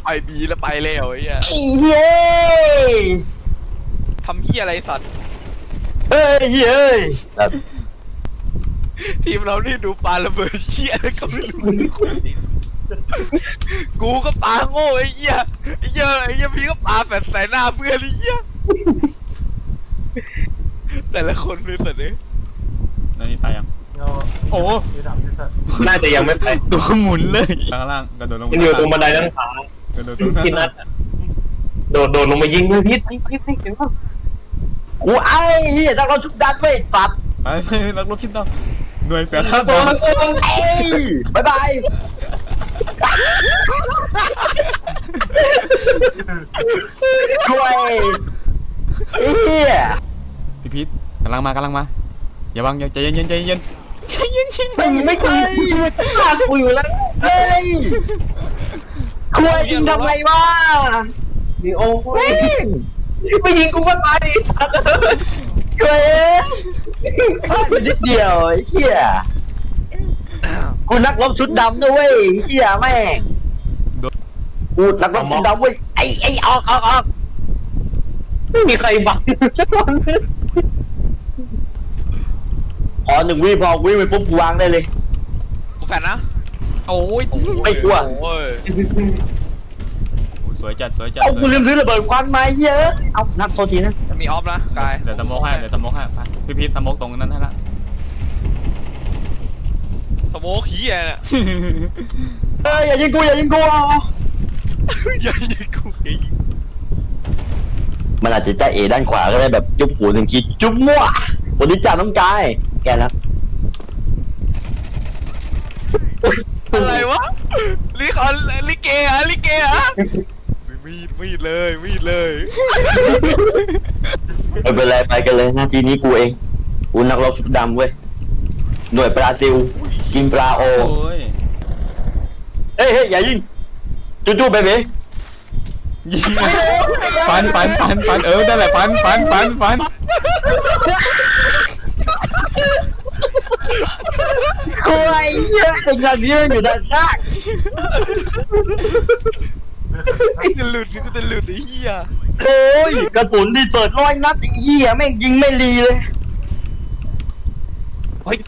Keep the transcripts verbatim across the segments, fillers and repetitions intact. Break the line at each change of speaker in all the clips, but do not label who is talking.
ไปบีแล้วไปแล้วไอ้เหี้ย
ไอ้เฮ้ย
ทำเหี้ยอะไรสัตว์
เฮ้ยเฮ้ย
ทีมเรานี่ดูปาระเบิดเหี้ยแล้วก็ไม่รู้ทุกคนกูก็ปาโง่ไอ้เหี้ยไอ้เหี้ยไอ้เหี้ยพี่ก็ปาแฝดใส่หน้าเพื่อนไอ้เหี้ยแต่ละคนเป็นแบบนี้
นั่นนี่ตายยังโอ้
น่าจะยังไม่ไป
ตัวหมุนเลยข้างล่างกระโดดลง
มันอยู่ตรงบันไดนั่งขาก
ระโดดตรง
กินนัดโดดโดดลงมายิงเลยพิษพิษพิษพิษเห็นป่ะกูไอ้เหี้ยถ้าเราชุบดันไม่ปัด
ไปไปนักรบชิ้นดำหน่วยเสือข้าม
ตัว
ดาว
มันเอ้ยบายบายช่วยเหี้ย
พี่พีทกำลังมากำลังมาอย่าบังอย่าใจเย็นเย็นใจเย็นใจเย็นเย็น
ไม่ไม่เคยฆ่ากูอยู่แล้วเฮ้ยคุยยิงทำไมวะนี่โอ้ยไม่ยิงกูก็ตายดิสัตว์ช่วยพลาดไปนิดเดียวไอ้เหี้ยกูนักรบชุดดำด้วยเหี้ยแม่งกูนักรบชุดดำเว้ยไอ้ไอ้ออกออกออกไม่มีใครบังสักคนขอหนึ่งวิพอวิไปปุ๊บกูวางได้เลย
กูแฝดนะ
โอ้ย
ไม่กลัว
โอ้ย
สวยจัดสวยจัด
เอากูลืมซื้อระเบิดควันมาเยอะเอานักโทษทีนะ
มีออฟนะกาย
เดี๋ยวสโมกให้เดี๋ยวสโมกให้พี่พีทสโมกตรงนั้นให้ละ
สโมกเหี้ยเนี่ย
เอ้ยอย่ายิงกูอย่ายิงกูอ่ะ
อย่ายิงกูอย่ายิง
มันอาจจะใจเอด้านขวาก็ได้แบบจุ๊บหัวหนึ่งทีจุ๊บมั่ววันนี้จ่าน้องกายแกแล้ว
อะไรวะลิคอนลิเกอะลิเกอะมีดมีดเลยมีดเลย
ไม่เป็นไรไปกันเลยหน้าที่นี้กูเองกูนักรบชุดดำเว้ยหน่วยปลาซิลกินปลาโอ
โอ้ย
เฮ้ยเฮ้ยอย่ายิงจู่ๆเบเบ้
ยิงฟันฟันฟันฟันเออนั่นแหละฟันฟันฟันฟัน
กูไอ้เหี้ยไอ้เงาเนี้ยอยู่ด้านข้าง
ไอ้จะหลุดกูจะหลุดไอ้เหี้ย
โอ้ยกระสุนที่เปิดร้อยนัดไอ้เหี้ยแม่งยิงไม่รีเลยเฮ้ย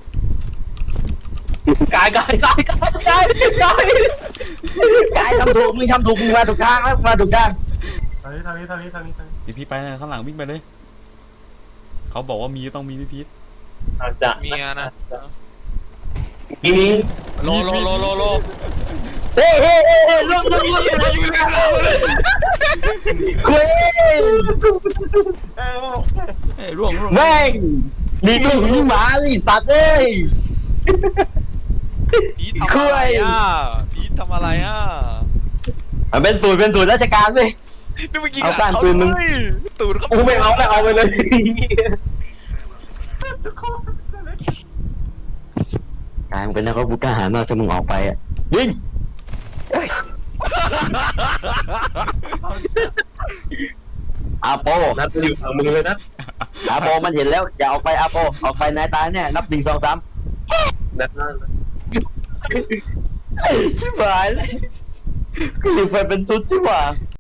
กายกายกายกายกายกายกายทำถูกมึงทำถูกมึงมาถูกทางแล้วมาถูกทาง
ทางนี้ทางนี้ทางนี้ทางนี้ทางนี้
พี่พีทไปข้างหลังวิ่งไปเลยเขาบอกว่ามีต้องมีพี่พีท
อาจจะ
เมียนะ
มีมี
โลโลโลโลโล
เฮ้ยเฮ้ยเฮ้ยเฮ้ยลุกลุกลุก
อย่ายิงเลยเราเลย
คุย
เอ้ยร่วงร่วง
แม่งดีกูหิวหมาสิสัตว์เอ้ย
พีททำอะไรอ่ะพีททำอะไรอ่ะ
มันเป็นสูตรเป็นสูตรราชการเว้ย
นี่เมื่อกี้
เอาก้าน
เขา
ปืนมึง
ด้วยตูดเขา
กูไม่เอาแล้วเอาไปเลยกายมันเป็นนักรบกูกล้าหาญมากถ้ามึงออกไปอ่ะยิงอาโปนัดอยู่ฝั่งมึงเลยนะอาโปมันเห็นแล้วอย่าออกไปอาโปออกไปนายตายแน่นับหนึ่งสองสามนัดนั่นชิบหายเลยคือไปเป็นชุดที่ว่า